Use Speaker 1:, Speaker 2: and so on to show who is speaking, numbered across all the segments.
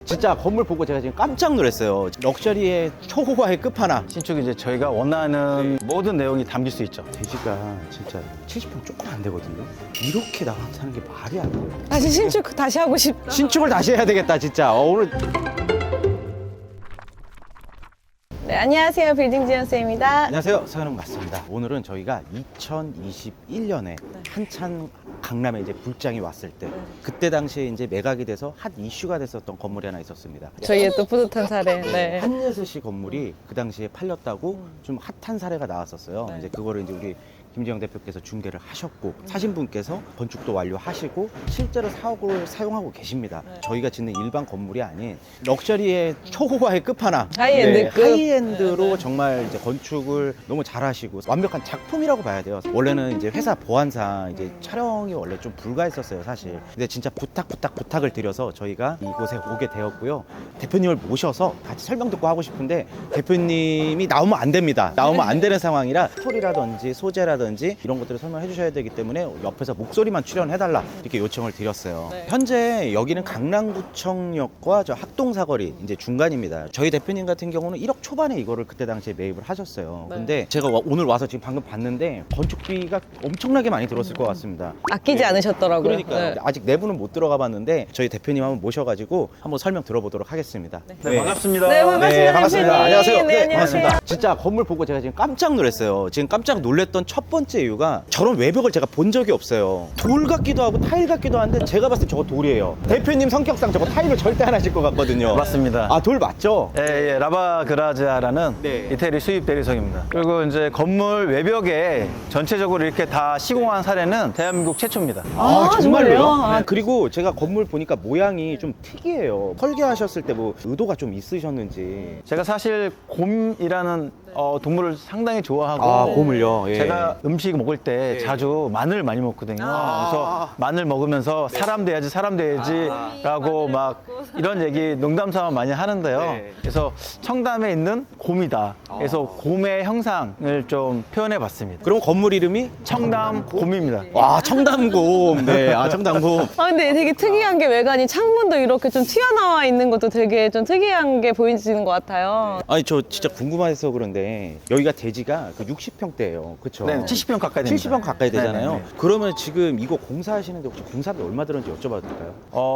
Speaker 1: 진짜 건물 보고 제가 지금 깜짝 놀랐어요. 럭셔리의 초호화의 끝판왕.
Speaker 2: 신축이 이제 저희가 원하는 모든 내용이 담길 수 있죠.
Speaker 1: 대지가 진짜 70평 조금 안 되거든요. 이렇게 나타나는 게 말이 안 돼요.
Speaker 3: 다시 신축 다시 하고 싶다.
Speaker 1: 신축을 다시 해야 되겠다 진짜. 오늘
Speaker 3: 네, 안녕하세요. 빌딩 지연쌤입니다.
Speaker 1: 안녕하세요, 서현웅 맞습니다. 오늘은 저희가 2021년에 한참 강남에 이제 불장이 왔을 때 그때 당시에 이제 매각이 돼서 핫 이슈가 됐었던 건물이 하나 있었습니다.
Speaker 3: 저희의 또 뿌듯한 사례. 네.
Speaker 1: 한예슬씨 건물이 그 당시에 팔렸다고 좀 핫한 사례가 나왔었어요.
Speaker 3: 네.
Speaker 1: 이제 그거를 이제 우리 김지영 대표께서 중개를 하셨고 사신 분께서 건축도 완료하시고 실제로 사옥을 사용하고 계십니다.
Speaker 3: 네.
Speaker 1: 저희가 짓는 일반 건물이 아닌 럭셔리의 초호화의 끝판왕,
Speaker 3: 하이엔드급.
Speaker 1: 하이엔드로
Speaker 3: 네, 네.
Speaker 1: 정말 이제 건축을 너무 잘하시고 완벽한 작품이라고 봐야 돼요. 원래는 이제 회사 보안상 이제 촬영이 원래 좀 불가했었어요, 사실. 근데 진짜 부탁을 드려서 저희가 이곳에 오게 되었고요. 대표님을 모셔서 같이 설명 듣고 하고 싶은데 대표님이 나오면 안 됩니다. 나오면 안 되는 상황이라 스토리라든지 소재라든지 이런 것들을 설명해 주셔야 되기 때문에 옆에서 목소리만 출연해달라 이렇게 요청을 드렸어요.
Speaker 3: 네.
Speaker 1: 현재 여기는 강남구청역과 저 학동사거리 이제 중간입니다. 저희 대표님 같은 경우는 1억 초반에 이거를 그때 당시에 매입을 하셨어요.
Speaker 3: 네.
Speaker 1: 근데 제가 오늘 와서 지금 방금 봤는데 건축비가 엄청나게 많이 들었을 것 같습니다.
Speaker 3: 아끼지 않으셨더라고요.
Speaker 1: 그러니까요.
Speaker 3: 네.
Speaker 1: 아직 내부는 못 들어가 봤는데 저희 대표님 한번 모셔가지고 한번 설명 들어보도록 하겠습니다.
Speaker 2: 네, 반갑습니다.
Speaker 3: 네, 반갑습니다.
Speaker 1: 반갑습니다.
Speaker 3: 대표님.
Speaker 1: 안녕하세요.
Speaker 3: 네, 안녕하세요.
Speaker 1: 반갑습니다. 진짜 건물 보고 제가 지금 깜짝 놀랐어요. 지금 깜짝 놀랐던 첫 번째 이유가 저런 외벽을 제가 본 적이 없어요. 돌 같기도 하고 타일 같기도 한데 제가 봤을 때 저거 돌이에요. 대표님 성격상 저거 타일을 절대 안 하실 것 같거든요.
Speaker 2: 맞습니다.
Speaker 1: 아, 돌 맞죠?
Speaker 2: 예, 라바 그라지아라는
Speaker 1: 네.
Speaker 2: 이태리 수입 대리석입니다. 그리고 이제 건물 외벽에 전체적으로 이렇게 다 시공한 사례는 대한민국 최초입니다.
Speaker 3: 아, 정말요? 아,
Speaker 1: 그리고 제가 건물 보니까 모양이 좀 특이해요. 설계하셨을 때 뭐 의도가 좀 있으셨는지.
Speaker 2: 제가 사실 곰이라는 동물을 상당히 좋아하고
Speaker 1: 아, 곰을요? 예.
Speaker 2: 제가 음식 먹을 때 자주 마늘 많이 먹거든요. 그래서 마늘 먹으면서 사람 돼야지 라고 막 이런 얘기 농담 삼아 많이 하는데요.
Speaker 1: 네.
Speaker 2: 그래서 청담에 있는 곰이다. 그래서 곰의 형상을 좀 표현해 봤습니다.
Speaker 1: 그럼 건물 이름이?
Speaker 2: 청담 곰입니다.
Speaker 1: 와, 청담곰. 네, 아, 청담곰.
Speaker 3: 아, 근데 되게 특이한 게 외관이 창문도 이렇게 좀 튀어나와 있는 것도 되게 좀 특이한 게 보이시는 것 같아요.
Speaker 1: 아니, 저 진짜 궁금해서 그런데 여기가 대지가 그 60평대예요. 그쵸?
Speaker 2: 네, 70평 가까이 됩니다.
Speaker 1: 70평 가까이 되잖아요.
Speaker 2: 네네네.
Speaker 1: 그러면 지금 이거 공사하시는데 혹시 공사비 얼마 들었는지 여쭤봐도 될까요?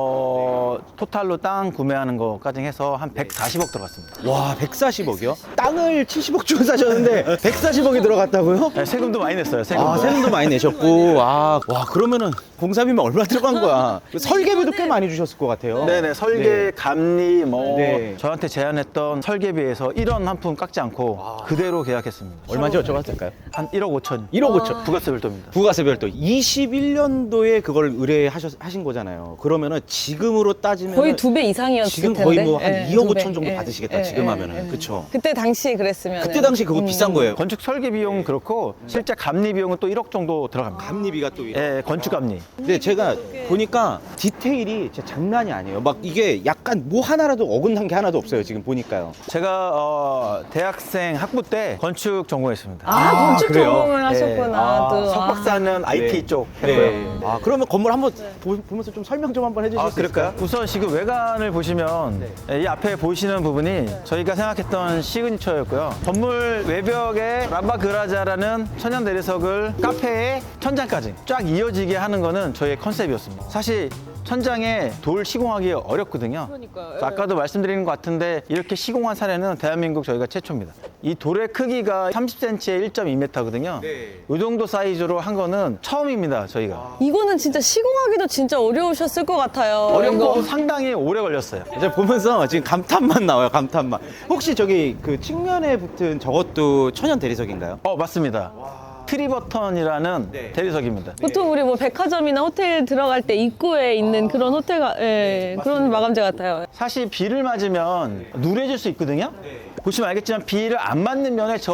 Speaker 2: 토탈로 땅 구매하는 거까지 해서 한 140억 들어갔습니다.
Speaker 1: 와, 140억이요? 땅을 70억 주고 사셨는데 140억이 들어갔다고요?
Speaker 2: 네, 세금도 많이 냈어요. 세금도.
Speaker 1: 아, 세금도 많이 내셨고. 아, 와, 그러면은 공사비면 얼마 들어간 거야? 설계비도 꽤 많이 주셨을 것 같아요.
Speaker 2: 네네, 설계,
Speaker 1: 네.
Speaker 2: 감리, 뭐
Speaker 1: 네.
Speaker 2: 저한테 제안했던 설계비에서 1원 한 푼 깎지 않고 그대로 계약했습니다.
Speaker 1: 얼마인지 여쭤봐도 될까요?
Speaker 2: 한 1억 5천.
Speaker 1: 1억 5천.
Speaker 2: 부가세 별도입니다.
Speaker 1: 부가세 별도 21년도에 그걸 의뢰하신 거잖아요. 그러면은 지금으로 따지면
Speaker 3: 거의 2배 이상이었을
Speaker 1: 지금
Speaker 3: 텐데.
Speaker 1: 거의 뭐 한
Speaker 3: 예,
Speaker 1: 2억
Speaker 3: 2배.
Speaker 1: 5천 정도
Speaker 3: 예,
Speaker 1: 받으시겠다.
Speaker 3: 예,
Speaker 1: 지금
Speaker 3: 예,
Speaker 1: 하면은.
Speaker 3: 예.
Speaker 1: 그쵸?
Speaker 3: 그때 당시 그랬으면.
Speaker 1: 그때 당시 그거 비싼 거예요.
Speaker 2: 건축 설계 비용은 그렇고 실제 감리 비용은 또 1억 정도 들어갑니다.
Speaker 1: 감리비가 또
Speaker 2: 예, 건축 감리.
Speaker 1: 근데 제가 보니까 디테일이 진짜 장난이 아니에요. 막 이게 약간 뭐 하나라도 어긋난 게 하나도 없어요. 지금 보니까요.
Speaker 2: 제가 대학생 학부 때 건축 전공했습니다.
Speaker 3: 아, 건축
Speaker 1: 그래요?
Speaker 3: 전공을 하셨구나. 또.
Speaker 2: 석박사는 IT
Speaker 1: 네.
Speaker 2: 쪽 했고요.
Speaker 1: 아, 그러면 건물 한번 보면서 좀 설명 좀 한번 해주실 수
Speaker 2: 그럴까요?
Speaker 1: 있을까요?
Speaker 2: 우선 지금 외관을 보시면 이 앞에 보이시는 부분이 저희가 생각했던 시그니처였고요. 건물 외벽에 라바 그라자라는 천연 내리석을 카페에 천장까지 쫙 이어지게 하는 거는 저희의 컨셉이었습니다. 사실 천장에 돌 시공하기 어렵거든요.
Speaker 3: 그러니까요.
Speaker 2: 그래서 아까도 말씀드린 것 같은데 이렇게 시공한 사례는 대한민국 저희가 최초입니다. 이 돌의 크기가 30cm에 1.2m거든요. 이 정도 사이즈로 한 거는 처음입니다, 저희가.
Speaker 3: 이거는 진짜 시공하기도 진짜 어려우셨을 것 같아요.
Speaker 2: 어렵고
Speaker 3: 이거.
Speaker 2: 상당히 오래 걸렸어요.
Speaker 1: 제가 보면서 지금 감탄만 나와요. 감탄만. 혹시 저기 그 측면에 붙은 저것도 천연 대리석인가요?
Speaker 2: 맞습니다. 트리버턴이라는
Speaker 1: 네.
Speaker 2: 대리석입니다.
Speaker 3: 보통 우리 뭐 백화점이나 호텔 들어갈 때 입구에 있는 그런 호텔, 그런 마감재 같아요.
Speaker 2: 사실 비를 맞으면 누래질 수 있거든요. 보시면 알겠지만 비를 안 맞는 면에 저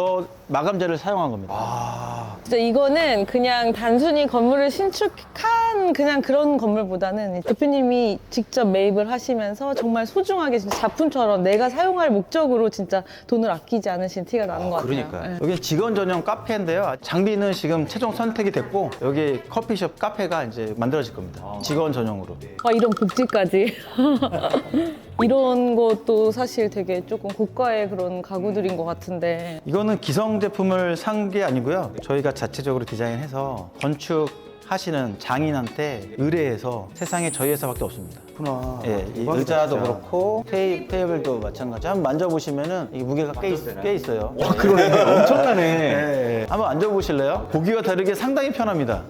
Speaker 2: 마감재를 사용한 겁니다.
Speaker 1: 아,
Speaker 3: 진짜 이거는 그냥 단순히 건물을 신축한 그냥 그런 건물보다는 대표님이 직접 매입을 하시면서 정말 소중하게 진짜 작품처럼 내가 사용할 목적으로 진짜 돈을 아끼지 않으신 티가 나는 것 같아요.
Speaker 1: 그러니까요.
Speaker 3: 네.
Speaker 2: 여기 직원 전용 카페인데요. 장비는 지금 최종 선택이 됐고 여기 커피숍 카페가 이제 만들어질 겁니다. 직원 전용으로.
Speaker 3: 와, 이런 복지까지. 이런 것도 사실 되게 조금 고가의 그런 가구들인 것 같은데.
Speaker 2: 이거는 기성 제품을 산 게 아니고요. 저희가 자체적으로 디자인해서 건축하시는 장인한테 의뢰해서 세상에 저희 회사밖에 없습니다.
Speaker 1: 그렇구나.
Speaker 2: 예, 이
Speaker 1: 대박이다,
Speaker 2: 의자도
Speaker 1: 진짜.
Speaker 2: 그렇고 테이블도 마찬가지. 한번 만져보시면은 이 무게가 꽤 있어요.
Speaker 1: 와, 그러네. 엄청나네.
Speaker 2: 예, 예. 한번 앉아보실래요? 보기와 다르게 상당히 편합니다.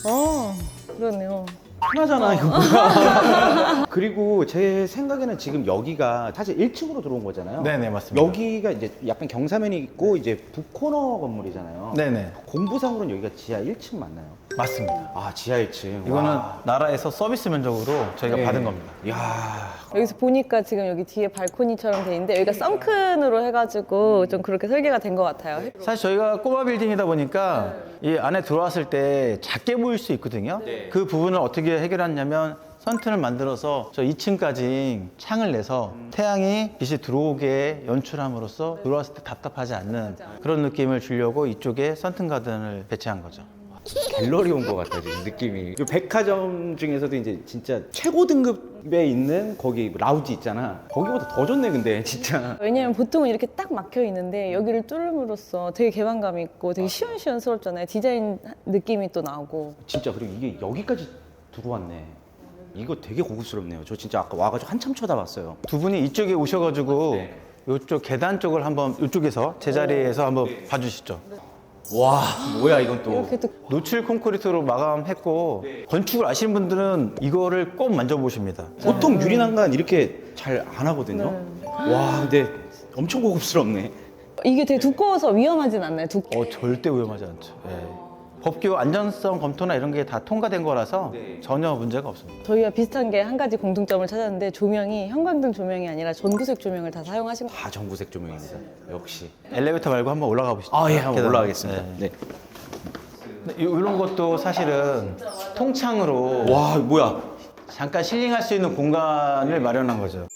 Speaker 3: 그러네요.
Speaker 1: 편하잖아, 이거. 그리고 제 생각에는 지금 여기가 사실 1층으로 들어온 거잖아요.
Speaker 2: 네네, 맞습니다.
Speaker 1: 여기가 이제 약간 경사면이 있고 이제 북코너 건물이잖아요.
Speaker 2: 네네,
Speaker 1: 공부상으로는 여기가 지하 1층 맞나요?
Speaker 2: 맞습니다.
Speaker 1: 아, 지하 1층.
Speaker 2: 이거는
Speaker 1: 와.
Speaker 2: 나라에서 서비스 면적으로 저희가
Speaker 1: 네.
Speaker 2: 받은 겁니다.
Speaker 1: 이야.
Speaker 3: 여기서 보니까 지금 여기 뒤에 발코니처럼 돼 있는데 여기가 썬큰으로 해가지고 좀 그렇게 설계가 된 것 같아요.
Speaker 2: 사실 저희가 꼬마 빌딩이다 보니까 이 안에 들어왔을 때 작게 보일 수 있거든요. 그 부분을 어떻게 해결했냐면 선튼을 만들어서 저 2층까지 창을 내서 태양이 빛이 들어오게 연출함으로써 들어왔을 때 답답하지 않는 그런 느낌을 주려고 이쪽에 선튼 가든을 배치한 거죠.
Speaker 1: 갤러리 온 것 같아요, 지금 느낌이. 이 백화점 중에서도 이제 진짜 최고 등급에 있는 거기 라우지 있잖아. 거기보다 더 좋네, 근데 진짜.
Speaker 3: 왜냐면 보통은 이렇게 딱 막혀 있는데 여기를 뚫음으로써 되게 개방감 있고 되게 시원시원스럽잖아요. 디자인 느낌이 또 나고.
Speaker 1: 진짜 그리고 이게 여기까지 들어왔네. 이거 되게 고급스럽네요. 저 진짜 아까 와가지고 한참 쳐다봤어요.
Speaker 2: 두 분이 이쪽에 오셔가지고
Speaker 1: 네.
Speaker 2: 이쪽 계단 쪽을 한번 이쪽에서 제자리에서 한번 봐주시죠.
Speaker 1: 와, 뭐야 이건 또.
Speaker 3: 이렇게 또
Speaker 2: 노출 콘크리트로 마감했고 건축을 아시는 분들은 이거를 꼭 만져보십니다.
Speaker 1: 보통 유리난간 이렇게 잘 안 하거든요. 와, 근데 엄청 고급스럽네.
Speaker 3: 이게 되게 두꺼워서 위험하진 않나요?
Speaker 2: 절대 위험하지 않죠. 예. 법규 안전성 검토나 이런 게 다 통과된 거라서 전혀 문제가 없습니다.
Speaker 3: 저희가 비슷한 게 한 가지 공통점을 찾았는데 조명이 형광등 조명이 아니라 전구색 조명을 다 사용하신 거.
Speaker 1: 다 전구색 조명입니다. 역시.
Speaker 2: 엘리베이터 말고 한번 올라가 보시죠.
Speaker 1: 아, 예, 한번
Speaker 2: 계단.
Speaker 1: 올라가겠습니다.
Speaker 2: 네.
Speaker 1: 네.
Speaker 2: 이런 것도 사실은 통창으로
Speaker 1: 와, 뭐야.
Speaker 2: 잠깐 힐링할 수 있는 공간을 마련한 거죠.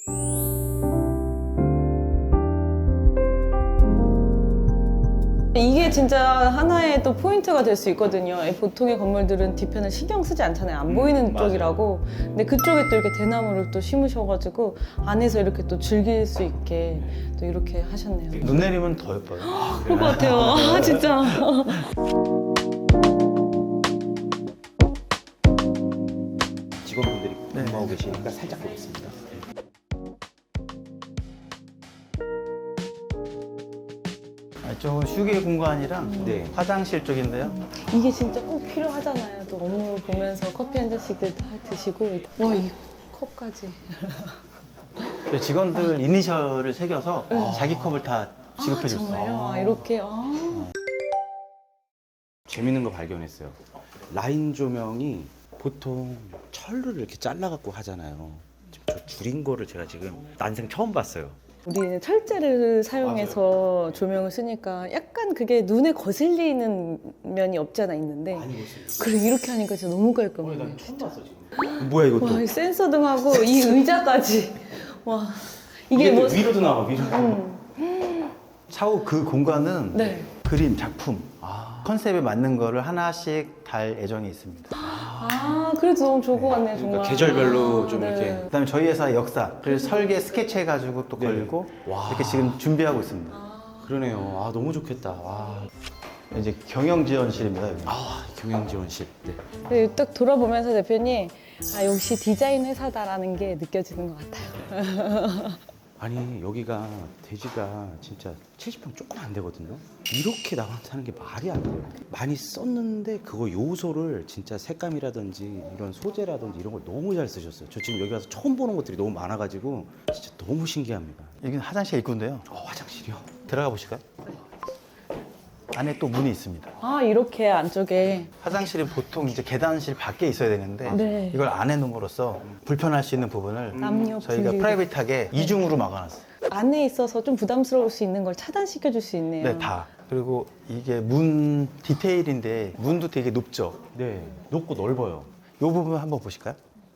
Speaker 3: 이게 진짜 하나의 또 포인트가 될 수 있거든요. 보통의 건물들은 뒤편을 신경 쓰지 않잖아요. 안 보이는 쪽이라고. 근데 그쪽에 또 이렇게 대나무를 또 심으셔가지고 안에서 이렇게 또 즐길 수 있게 또 이렇게 하셨네요.
Speaker 2: 눈 내리면 더 예뻐요.
Speaker 3: 그럴 것 같아요. 아, 진짜.
Speaker 1: 직원분들이 근무하고 계시니까 살짝 보겠습니다.
Speaker 2: 이쪽은 휴게 공간이랑
Speaker 1: 네.
Speaker 2: 화장실 쪽인데요.
Speaker 3: 이게 진짜 꼭 필요하잖아요. 또 업무 보면서 커피 한 잔씩들 다 드시고. 와, 이 컵까지.
Speaker 2: 직원들 이니셜을 새겨서 자기 컵을 다 지급해 줬어요.
Speaker 3: 정말요? 아, 이렇게.
Speaker 1: 재밌는 거 발견했어요. 라인 조명이 보통 철을 이렇게 잘라갖고 하잖아요. 지금 저 줄인 거를 제가 지금 난생 처음 봤어요.
Speaker 3: 우리는 철제를 사용해서 조명을 쓰니까 약간 그게 눈에 거슬리는 면이 없지 않아 있는데 그래 이렇게 하니까 진짜 너무 깔끔해.
Speaker 1: 처음 봤어 지금. 뭐야 이것도?
Speaker 3: 와, 이 센서등하고 이 의자까지. 와, 이게
Speaker 1: 이게
Speaker 3: 뭐.
Speaker 1: 또 위로도 나와 위로.
Speaker 2: 차후 그 공간은
Speaker 3: 네.
Speaker 2: 그림, 작품 컨셉에 맞는 거를 하나씩 달 예정이 있습니다.
Speaker 3: 아, 그래도 너무 좋을 것 같네요, 정말.
Speaker 1: 그러니까 계절별로 좀 이렇게.
Speaker 2: 그다음에 저희 회사 역사를 설계 스케치해가지고 또 걸고
Speaker 1: 와.
Speaker 2: 이렇게 지금 준비하고 있습니다.
Speaker 1: 그러네요. 아 너무 좋겠다. 와.
Speaker 2: 이제 경영지원실입니다. 여기.
Speaker 1: 아 경영지원실. 네.
Speaker 3: 근데 딱 돌아보면서 대표님, 아, 역시 디자인 회사다라는 게 느껴지는 것 같아요.
Speaker 1: 아니 여기가 대지가 진짜 70평 조금 안 되거든요. 이렇게 나간다는 게 말이 안 돼요. 많이 썼는데 그거 요소를 진짜 색감이라든지 이런 소재라든지 이런 걸 너무 잘 쓰셨어요. 저 지금 여기 와서 처음 보는 것들이 너무 많아가지고 진짜 너무 신기합니다.
Speaker 2: 여기는 화장실 입구인데요.
Speaker 1: 화장실이요?
Speaker 2: 들어가 보실까요? 안에 또 문이 있습니다.
Speaker 3: 아, 이렇게 안쪽에.
Speaker 2: 화장실은 보통 이제 계단실 밖에 있어야 되는데
Speaker 3: 네.
Speaker 2: 이걸 안에 놓음으로써 불편할 수 있는 부분을
Speaker 3: 남녀
Speaker 2: 저희가
Speaker 3: 분리.
Speaker 2: 프라이빗하게 이중으로 막아놨어요.
Speaker 3: 안에 있어서 좀 부담스러울 수 있는 걸 차단시켜 줄 수 있네요.
Speaker 2: 네, 다. 그리고 이게 문 디테일인데 문도 되게 높죠.
Speaker 1: 네. 높고 넓어요.
Speaker 2: 이 부분 한번 보실까요?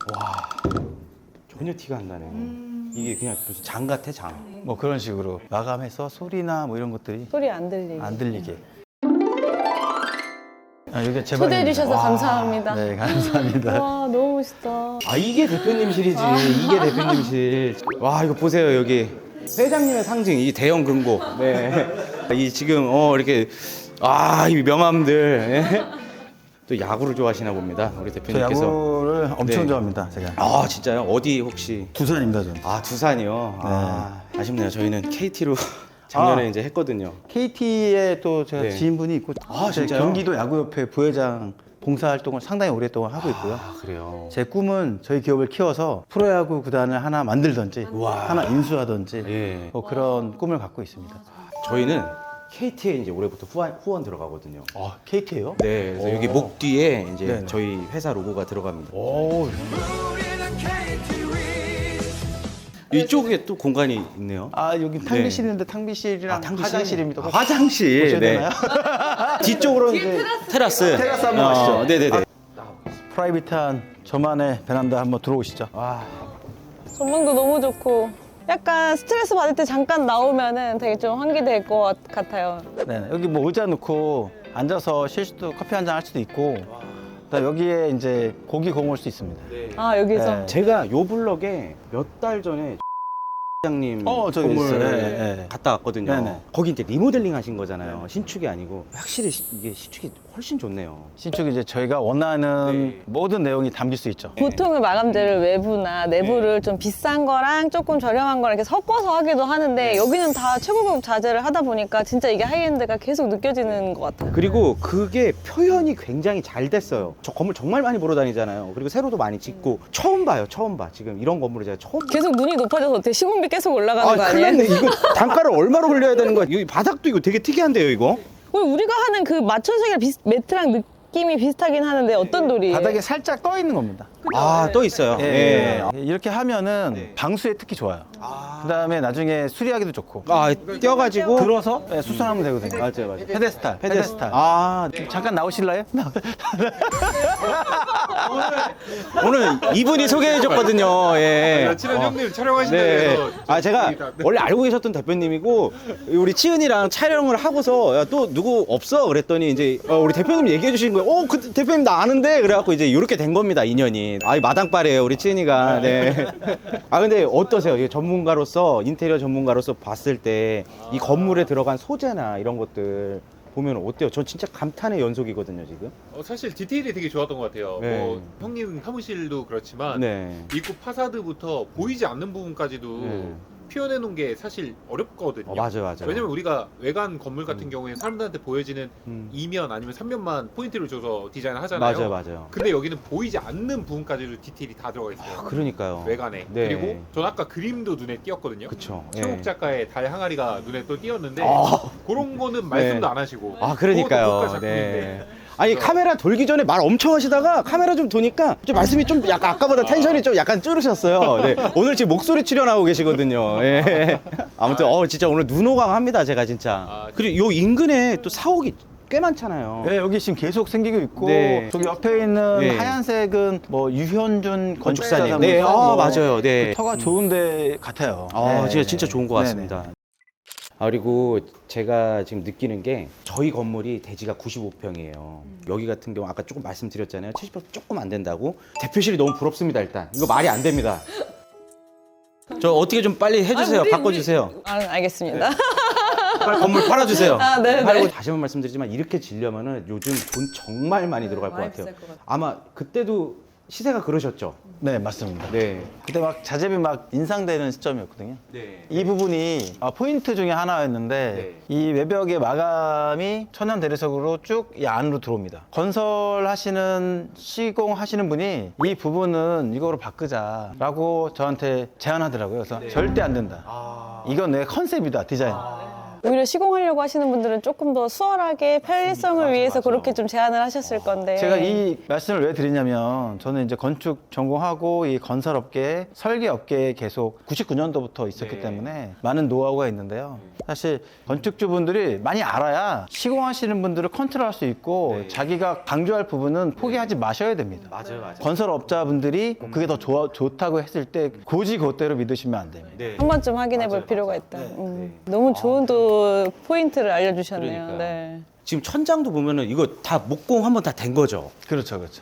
Speaker 1: 전혀 티가 안 나네. 이게 그냥 무슨 장 같아, 장.
Speaker 2: 뭐 그런 식으로 마감해서 소리나 뭐 이런 것들이
Speaker 3: 소리 안 들리게.
Speaker 2: 안 들리게. 여기 제
Speaker 3: 초대해
Speaker 2: 방입니다.
Speaker 3: 주셔서 감사합니다.
Speaker 2: 네, 감사합니다.
Speaker 3: 와, 너무 멋있다.
Speaker 1: 아, 이게 대표님실이지. 이게 대표님실. 와, 이거 보세요, 여기. 회장님의 상징, 이 대형 금고. 네. 이 지금, 이렇게, 이 명함들. 예. 또 야구를 좋아하시나 봅니다, 우리
Speaker 2: 저
Speaker 1: 대표님께서.
Speaker 2: 야구를 엄청
Speaker 1: 네.
Speaker 2: 좋아합니다, 제가.
Speaker 1: 아, 진짜요? 어디 혹시?
Speaker 2: 두산입니다, 저는.
Speaker 1: 아, 두산이요? 아쉽네요. 저희는 KT로 작년에 이제 했거든요.
Speaker 2: KT에 또 제가
Speaker 1: 네.
Speaker 2: 지인분이 있고
Speaker 1: 아,
Speaker 2: 제
Speaker 1: 진짜요?
Speaker 2: 경기도 야구협회 부회장 봉사활동을 상당히 오랫동안 하고 있고요.
Speaker 1: 아, 그래요?
Speaker 2: 제 꿈은 저희 기업을 키워서 프로야구 구단을 하나 만들든지 하나 인수하든지
Speaker 1: 예.
Speaker 2: 뭐 그런 꿈을 갖고 있습니다.
Speaker 1: 저희는 KT에 이제 올해부터 후원 들어가거든요.
Speaker 2: KT예요?
Speaker 1: 네, 그래서 여기 목 뒤에 이제
Speaker 2: 네네.
Speaker 1: 저희 회사 로고가 들어갑니다.
Speaker 2: 오,
Speaker 1: 이쪽에 또 공간이 있네요.
Speaker 2: 여기 탕비실 있는데 탕비실이랑 화장실입니다.
Speaker 1: 화장실.
Speaker 2: 보셔야
Speaker 1: 네.
Speaker 2: 되나요?
Speaker 1: 뒤쪽으로 이제 테라스.
Speaker 2: 테라스 한번 가시죠.
Speaker 1: 네네네.
Speaker 2: 프라이빗한 저만의 베란다 한번 들어오시죠.
Speaker 3: 전망도 너무 좋고 약간 스트레스 받을 때 잠깐 나오면은 되게 좀 환기될 것 같아요.
Speaker 2: 네, 여기 뭐 의자 놓고 앉아서 쉴 수도 커피 한 잔 할 수도 있고 그다음에 여기에 이제 고기 구워 먹을 수 있습니다.
Speaker 3: 아, 여기서
Speaker 2: 네.
Speaker 1: 제가 요 블럭에 몇 달 전에 회장님
Speaker 2: 저기
Speaker 1: 건물
Speaker 2: 있어요. 네.
Speaker 1: 갔다 왔거든요.
Speaker 2: 네네.
Speaker 1: 거기 이제 리모델링 하신 거잖아요. 신축이 아니고 확실히 이게 신축이 훨씬 좋네요.
Speaker 2: 신축이 이제 저희가 원하는
Speaker 1: 네.
Speaker 2: 모든 내용이 담길 수 있죠.
Speaker 3: 보통은 마감재를 외부나 내부를 좀 비싼 거랑 조금 저렴한 거랑 이렇게 섞어서 하기도 하는데 여기는 다 최고급 자재를 하다 보니까 진짜 이게 하이엔드가 계속 느껴지는 것 같아요.
Speaker 1: 그리고 그게 표현이 굉장히 잘 됐어요. 저 건물 정말 많이 보러 다니잖아요. 그리고 새로도 많이 짓고 처음 봐요. 처음 봐. 지금 이런 건물을 제가 처음 봐요.
Speaker 3: 계속 눈이 높아져서 어떻게 시공비 계속 올라가는 거
Speaker 1: 큰일
Speaker 3: 아니에요?
Speaker 1: 났네. 이거 단가를 얼마로 올려야 되는 거야? 이 바닥도 이거 되게 특이한데요, 이거?
Speaker 3: 우리가 하는 그 마천색이랑 매트랑 느낌이 비슷하긴 하는데 어떤 돌이에요?
Speaker 2: 바닥에 살짝 떠 있는 겁니다.
Speaker 1: 또 있어요.
Speaker 2: 예. 이렇게 하면은 방수에 특히 좋아요. 그다음에 나중에 수리하기도 좋고.
Speaker 1: 띄어가지고.
Speaker 2: 들어서 수선하면 되거든요.
Speaker 1: 맞아요.
Speaker 2: 페데스탈. 페데스탈. 잠깐 나오실래요?
Speaker 1: 오늘 이분이 소개해줬거든요. 예.
Speaker 4: 친한 형님 촬영하신다
Speaker 1: 네.
Speaker 4: 그래서
Speaker 1: 제가 원래 알고 계셨던 대표님이고 우리 치은이랑 촬영을 하고서 야, 또 누구 없어 그랬더니 이제 우리 대표님 얘기해 주신 거예요. 그 대표님 나 아는데 그래갖고 이제 이렇게 된 겁니다, 인연이. 마당발이에요, 우리 치은이가. 네. 근데 어떠세요? 이 전문가로서 인테리어 전문가로서 봤을 때 이 건물에 들어간 소재나 이런 것들 보면 어때요? 전 진짜 감탄의 연속이거든요, 지금.
Speaker 4: 사실 디테일이 되게 좋았던 것 같아요.
Speaker 1: 네.
Speaker 4: 뭐 형님 사무실도 그렇지만
Speaker 1: 네.
Speaker 4: 입구 파사드부터 보이지 않는 부분까지도
Speaker 1: 네.
Speaker 4: 표현해 놓은 게 사실 어렵거든요.
Speaker 1: 맞아요.
Speaker 4: 왜냐면 우리가 외관 건물 같은 경우에 사람들한테 보여지는
Speaker 1: 음.
Speaker 4: 2면 아니면 3면만 포인트를 줘서 디자인을 하잖아요.
Speaker 1: 맞아요.
Speaker 4: 근데 여기는 보이지 않는 부분까지도 디테일이 다 들어가 있어요.
Speaker 1: 그러니까요.
Speaker 4: 외관에.
Speaker 1: 네.
Speaker 4: 그리고 전 아까 그림도 눈에 띄었거든요.
Speaker 1: 그쵸.
Speaker 4: 최욱
Speaker 1: 예.
Speaker 4: 작가의 달 항아리가 눈에 또 띄었는데
Speaker 1: 아.
Speaker 4: 그런 거는 말씀도
Speaker 1: 네.
Speaker 4: 안 하시고 그것도
Speaker 1: 그러니까요.
Speaker 4: 고가 작품인데.
Speaker 1: 네. 아니 카메라 돌기 전에 말 엄청 하시다가 카메라 좀 도니까 좀 말씀이 좀 약간 아까보다 텐션이 좀 약간 줄으셨어요. 네. 오늘 지금 목소리 출연하고 계시거든요. 예. 아무튼 진짜 오늘 눈호강합니다, 제가 진짜. 그리고 요 인근에 또 사옥이 꽤 많잖아요.
Speaker 2: 네, 여기 지금 계속 생기고 있고
Speaker 1: 네.
Speaker 2: 저기 옆에 있는
Speaker 1: 네.
Speaker 2: 하얀색은 뭐 유현준
Speaker 1: 건축사님.
Speaker 2: 건축사님.
Speaker 1: 네,
Speaker 2: 뭐
Speaker 1: 맞아요. 네.
Speaker 2: 터가 좋은데 같아요. 네.
Speaker 1: 진짜 좋은 것 같습니다.
Speaker 2: 네네.
Speaker 1: 그리고 제가 지금 느끼는 게 저희 건물이 대지가 95평이에요. 여기 같은 경우 아까 조금 말씀드렸잖아요. 70평 조금 안 된다고. 대표실이 너무 부럽습니다, 일단. 이거 말이 안 됩니다. 저 어떻게 좀 빨리 해주세요. 바꿔주세요.
Speaker 3: 알겠습니다.
Speaker 1: 빨리 건물 팔아주세요.
Speaker 3: 네.
Speaker 1: 팔고 다시 한번 말씀드리지만 이렇게 지려면은 요즘 돈 정말 많이 들어갈 것
Speaker 3: 많이
Speaker 1: 같아요.
Speaker 3: 비쌀 것 같아요.
Speaker 1: 아마 그때도 시세가 그러셨죠?
Speaker 2: 네, 맞습니다.
Speaker 1: 네.
Speaker 2: 그때 막 자재비 막 인상되는 시점이었거든요.
Speaker 1: 네.
Speaker 2: 이 부분이 포인트 중에 하나였는데 이 외벽의 마감이 천연 대리석으로 쭉 이 안으로 들어옵니다. 건설하시는 시공하시는 분이 이 부분은 이거로 바꾸자라고 저한테 제안하더라고요. 그래서 절대 안 된다. 이건 내 컨셉이다, 디자인.
Speaker 3: 오히려 시공하려고 하시는 분들은 조금 더 수월하게 편리성을
Speaker 1: 맞아,
Speaker 3: 위해서
Speaker 1: 맞아.
Speaker 3: 그렇게 좀 제안을 하셨을 건데.
Speaker 2: 제가 이 말씀을 왜 드리냐면 저는 이제 건축 전공하고 이 건설업계, 설계업계에 계속 99년도부터 있었기
Speaker 4: 네.
Speaker 2: 때문에 많은 노하우가 있는데요. 사실 건축주분들이 많이 알아야 시공하시는 분들을 컨트롤할 수 있고
Speaker 1: 네.
Speaker 2: 자기가 강조할 부분은 포기하지 마셔야 됩니다.
Speaker 1: 맞아요, 맞아요.
Speaker 2: 건설업자분들이 그게 더 좋다고 했을 때 고지 그대로 믿으시면 안 됩니다.
Speaker 1: 네.
Speaker 3: 한 번쯤 확인해 볼
Speaker 1: 맞아요,
Speaker 3: 필요가
Speaker 1: 맞아요.
Speaker 3: 있다.
Speaker 1: 네.
Speaker 3: 너무 좋은 또 포인트를 알려주셨네요.
Speaker 1: 그러니까요.
Speaker 3: 네.
Speaker 1: 지금 천장도 보면은 이거 다 목공 한번 다 된 거죠.
Speaker 2: 그렇죠, 그렇죠.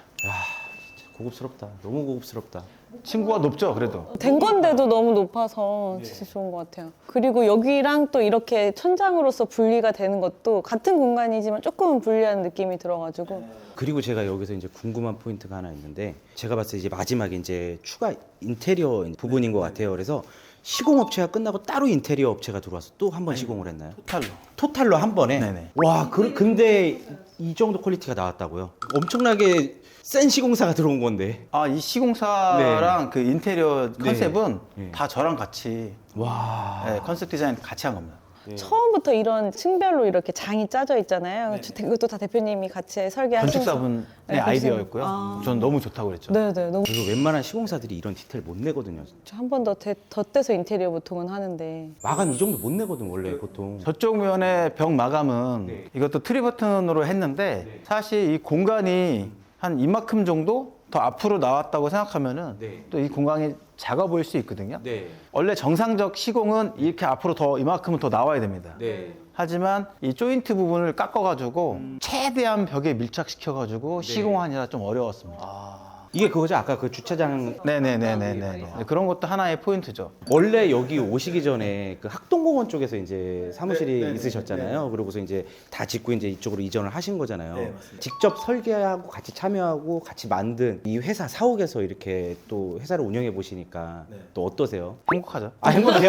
Speaker 1: 진짜 고급스럽다. 너무 고급스럽다.
Speaker 2: 층고가 높죠, 그래도.
Speaker 3: 된 건데도 너무 높아서
Speaker 1: 네.
Speaker 3: 진짜 좋은 것 같아요. 그리고 여기랑 또 이렇게 천장으로서 분리가 되는 것도 같은 공간이지만 조금은 분리하는 느낌이 들어가지고
Speaker 1: 그리고 제가 여기서 이제 궁금한 포인트가 하나 있는데 제가 봤을 때 이제 마지막에 이제 추가 인테리어 부분인 것 같아요. 그래서 시공 업체가 끝나고 따로 인테리어 업체가 들어와서 또 한 번 시공을 했나요?
Speaker 2: 토탈로.
Speaker 1: 토탈로 한 번에?
Speaker 2: 네네.
Speaker 1: 와, 근데 이 정도 퀄리티가 나왔다고요? 엄청나게 센 시공사가 들어온 건데.
Speaker 2: 아, 이 시공사랑 그 인테리어 컨셉은
Speaker 1: 네.
Speaker 2: 다 저랑 같이
Speaker 1: 와.
Speaker 2: 네, 컨셉 디자인 같이 한 겁니다.
Speaker 3: 처음부터 이런 층별로 이렇게 장이 짜져 있잖아요. 그것도 다 대표님이 같이 설계하신
Speaker 2: 건축사분의
Speaker 3: 네,
Speaker 2: 아이디어였고요.
Speaker 3: 아.
Speaker 2: 저는 너무 좋다고 그랬죠.
Speaker 3: 네네 너무
Speaker 1: 그리고 웬만한 시공사들이 이런 디테일 못 내거든요.
Speaker 3: 한 번 더 덧대서 인테리어 보통은 하는데
Speaker 1: 마감 이 정도 못 내거든 원래 보통.
Speaker 2: 저쪽 면의 벽 마감은
Speaker 1: 네.
Speaker 2: 이것도 트리버튼으로 했는데 사실 이 공간이 한 이만큼 정도 더 앞으로 나왔다고 생각하면은
Speaker 1: 네.
Speaker 2: 또 이 공간이 작아 보일 수 있거든요.
Speaker 1: 네.
Speaker 2: 원래 정상적 시공은 이렇게 앞으로 더 이만큼은 더 나와야 됩니다.
Speaker 1: 네.
Speaker 2: 하지만 이 조인트 부분을 깎아가지고 최대한 벽에 밀착시켜가지고 시공하느라 좀 어려웠습니다.
Speaker 1: 이게 그거죠? 아까 그 주차장
Speaker 2: 네네네네네. 그런 것도 하나의 포인트죠.
Speaker 1: 원래 여기 오시기 전에 그 학동공원 쪽에서 이제 사무실이 있으셨잖아요. 그러고서 이제 다 짓고 이제 이쪽으로 이전을 하신 거잖아요. 직접 설계하고 같이 참여하고 같이 만든 이 회사 사옥에서 이렇게 또 회사를 운영해 보시니까 또 어떠세요?
Speaker 2: 행복하죠.
Speaker 1: 아, 행복해요?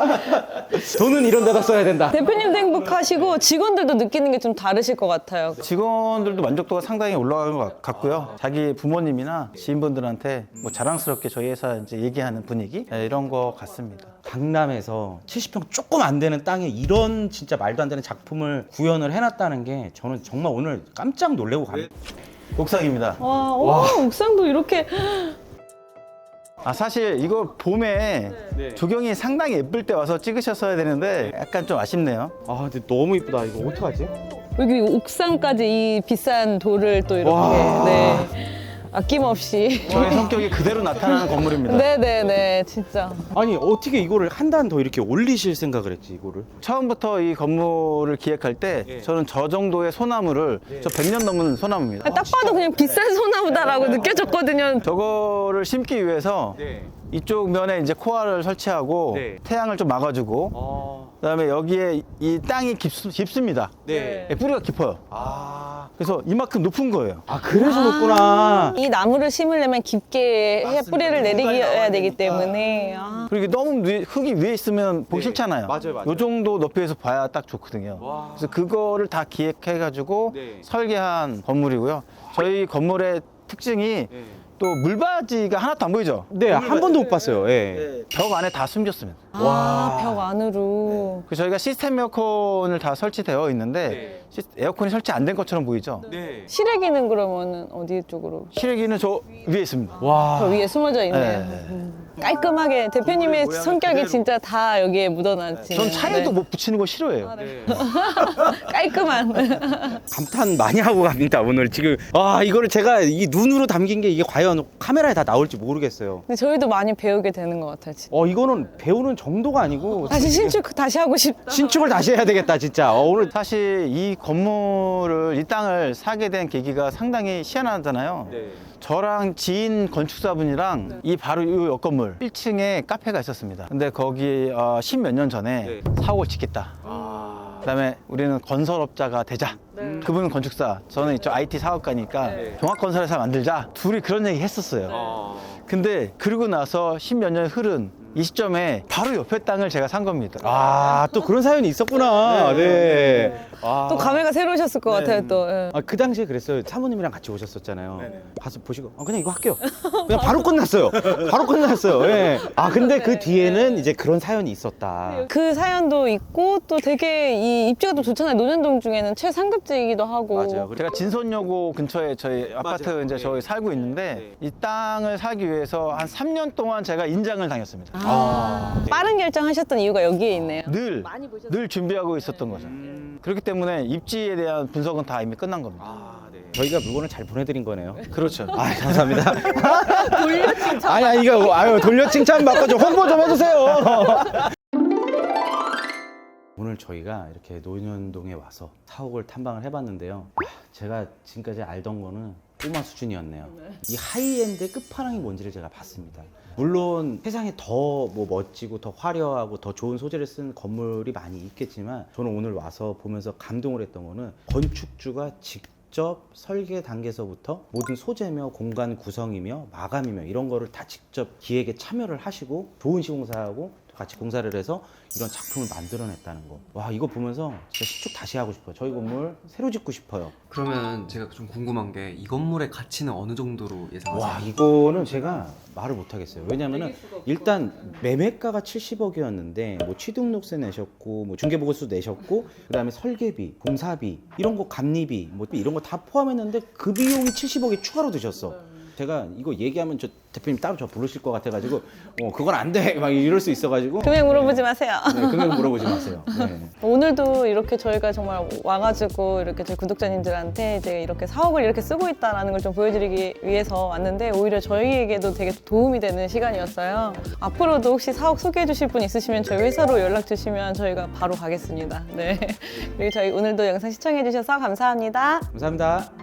Speaker 1: 돈은 이런 데다 써야 된다.
Speaker 3: 대표님도 행복하시고 직원들도 느끼는 게 좀 다르실 것 같아요.
Speaker 2: 직원들도 만족도가 상당히 올라가는 것 같고요. 자기 부모님이나 지인분들한테 뭐 자랑스럽게 저희 회사 이제 얘기하는 분위기 이런 거 같습니다.
Speaker 1: 강남에서 70평 조금 안 되는 땅에 이런 진짜 말도 안 되는 작품을 구현을 해놨다는 게 저는 정말 오늘 깜짝 놀래고 갑니다.
Speaker 2: 옥상입니다.
Speaker 3: 와, 옥상도 이렇게
Speaker 2: 사실 이거 봄에 조경이 상당히 예쁠 때 와서 찍으셨어야 되는데 약간 좀 아쉽네요.
Speaker 1: 아, 근데 너무 이쁘다. 이거 어떡하지?
Speaker 3: 여기 옥상까지 이 비싼 돌을 또 이렇게
Speaker 1: 와.
Speaker 3: 네. 아낌없이
Speaker 2: 저의 성격이 그대로 나타나는 건물입니다.
Speaker 3: 네네네 진짜
Speaker 1: 아니, 어떻게 이거를 한 단 더 이렇게 올리실 생각을 했지, 이거를?
Speaker 2: 처음부터 이 건물을 기획할 때 저는 저 정도의 소나무를 저 100년 넘은 소나무입니다.
Speaker 3: 딱 봐도 그냥 비싼 소나무다라고 느껴졌거든요.
Speaker 2: 저거를 심기 위해서 이쪽 면에 이제 코알을 설치하고
Speaker 1: 네.
Speaker 2: 태양을 좀 막아주고 그다음에 여기에 이 땅이 깊습니다.
Speaker 1: 네.
Speaker 2: 뿌리가 깊어요.
Speaker 1: 아,
Speaker 2: 그래서 이만큼 높은 거예요.
Speaker 1: 그래서 높구나.
Speaker 3: 이 나무를 심으려면 깊게 해 뿌리를 내리겨야
Speaker 2: 나와야
Speaker 3: 되기
Speaker 2: 되니까.
Speaker 3: 때문에
Speaker 2: 그리고 이게 너무 흙이 위에 있으면 보기 싫잖아요.
Speaker 1: 맞아요, 맞아요.
Speaker 2: 이 정도 높이에서 봐야 딱 좋거든요. 그래서 그거를 다 기획해가지고
Speaker 1: 네.
Speaker 2: 설계한 건물이고요. 저희 건물의 특징이 또 물바지가 하나도 안 보이죠?
Speaker 1: 네, 한 번도 못 봤어요. 예.
Speaker 2: 벽 안에 다 숨겼습니다.
Speaker 3: 벽 안으로
Speaker 2: 그래서 저희가 시스템 에어컨을 다 설치되어 있는데 에어컨이 설치 안 된 것처럼 보이죠?
Speaker 1: 네.
Speaker 3: 실외기는 그러면은 어디 쪽으로?
Speaker 2: 실외기는 저 위에 있습니다.
Speaker 3: 저
Speaker 1: 와.
Speaker 3: 위에 숨어져 있네요.
Speaker 2: 네.
Speaker 3: 깔끔하게 대표님의
Speaker 2: 모양을
Speaker 3: 성격이
Speaker 2: 그대로.
Speaker 3: 진짜 다 여기에 묻어놨지.
Speaker 2: 전 차에도 뭐 붙이는 거 싫어해요.
Speaker 3: 깔끔한.
Speaker 1: 감탄 많이 하고 갑니다, 오늘. 지금. 이거를 제가 이 눈으로 담긴 게 이게 과연 카메라에 다 나올지 모르겠어요.
Speaker 3: 근데 저희도 많이 배우게 되는 것 같아요. 진짜.
Speaker 1: 이거는 배우는 정도가 아니고.
Speaker 3: 다시 신축 다시 하고 싶다.
Speaker 1: 신축을 다시 해야 되겠다, 진짜. 오늘.
Speaker 2: 사실 이 건물을 이 땅을 사게 된 계기가 상당히 희한하잖아요. 저랑 지인 건축사분이랑 이 바로 이 옆 건물 1층에 카페가 있었습니다. 근데 거기 10몇 년 전에 사옥을 짓겠다. 그다음에 우리는 건설업자가 되자. 그분은 건축사, 저는 이쪽 IT 사업가니까 종합건설회사 만들자. 둘이 그런 얘기 했었어요. 근데 그러고 나서 10몇 년 흐른 이 시점에 바로 옆에 땅을 제가 산 겁니다.
Speaker 1: 아, 또 그런 사연이 있었구나. 네. 아.
Speaker 3: 또 감회가 새로우셨을 것 같아요 또. 예.
Speaker 1: 아, 그 당시에 그랬어요. 사모님이랑 같이 오셨었잖아요. 가서 보시고 그냥 이거 할게요. 그냥 바로 끝났어요. 바로 끝났어요. 예. 아, 근데 그 뒤에는 이제 그런 사연이 있었다.
Speaker 3: 그 사연도 있고 또 되게 이 입지가 또 좋잖아요. 논현동 중에는 최상급지이기도 하고.
Speaker 1: 맞아요.
Speaker 2: 제가 진선여고 근처에 저희 아파트
Speaker 1: 맞아요.
Speaker 2: 이제
Speaker 1: 네.
Speaker 2: 저희 살고 있는데 이 땅을 사기 위해서 한 3년 동안 제가 인장을 당했습니다.
Speaker 1: 아.
Speaker 3: 빠른 결정하셨던 이유가 여기에 있네요.
Speaker 2: 늘 준비하고 있었던 거죠. 그렇기 때문에 입지에 대한 분석은 다 이미 끝난 겁니다.
Speaker 1: 아, 네. 저희가 물건을 잘 보내드린 거네요.
Speaker 2: 그렇죠.
Speaker 1: 아, 감사합니다.
Speaker 3: 돌려 칭찬.
Speaker 1: 아니, 이거 아유 돌려 칭찬 받고 좀 홍보 좀 해주세요. 오늘 저희가 이렇게 논현동에 와서 사옥을 탐방을 해봤는데요. 제가 지금까지 알던 거는 꼬마 수준이었네요. 이 하이엔드의 끝판왕이 뭔지를 제가 봤습니다. 물론 세상에 더 뭐 멋지고 더 화려하고 더 좋은 소재를 쓴 건물이 많이 있겠지만 저는 오늘 와서 보면서 감동을 했던 거는 건축주가 직접 설계 단계에서부터 모든 소재며 공간 구성이며 마감이며 이런 거를 다 직접 기획에 참여를 하시고 좋은 시공사하고 같이 공사를 해서 이런 작품을 만들어냈다는 거. 와, 이거 보면서 진짜 시축 다시 하고 싶어요. 저희 건물 새로 짓고 싶어요.
Speaker 5: 그러면 제가 좀 궁금한 게 이 건물의 가치는 어느 정도로 예상하세요?
Speaker 1: 와, 이거는 제가 말을 못 하겠어요. 왜냐면은 일단 매매가가 70억이었는데 뭐 취등록세 내셨고 뭐 중개보고서 내셨고 그다음에 설계비, 공사비, 이런 거 감리비 뭐 이런 거 다 포함했는데 그 비용이 70억이 추가로 드셨어. 제가 이거 얘기하면 저 대표님 따로 저 부르실 것 같아가지고 그건 안 돼 막 이럴 수 있어가지고
Speaker 3: 금액 물어보지 마세요.
Speaker 1: 네, 금액 물어보지 마세요. 네.
Speaker 3: 오늘도 이렇게 저희가 정말 와가지고 이렇게 저희 구독자님들한테 이제 이렇게 사옥을 이렇게 쓰고 있다라는 걸 좀 보여드리기 위해서 왔는데 오히려 저희에게도 되게 도움이 되는 시간이었어요. 앞으로도 혹시 사옥 소개해 주실 분 있으시면 저희 회사로 연락 주시면 저희가 바로 가겠습니다. 네. 그리고 저희 오늘도 영상 시청해 주셔서 감사합니다.
Speaker 1: 감사합니다.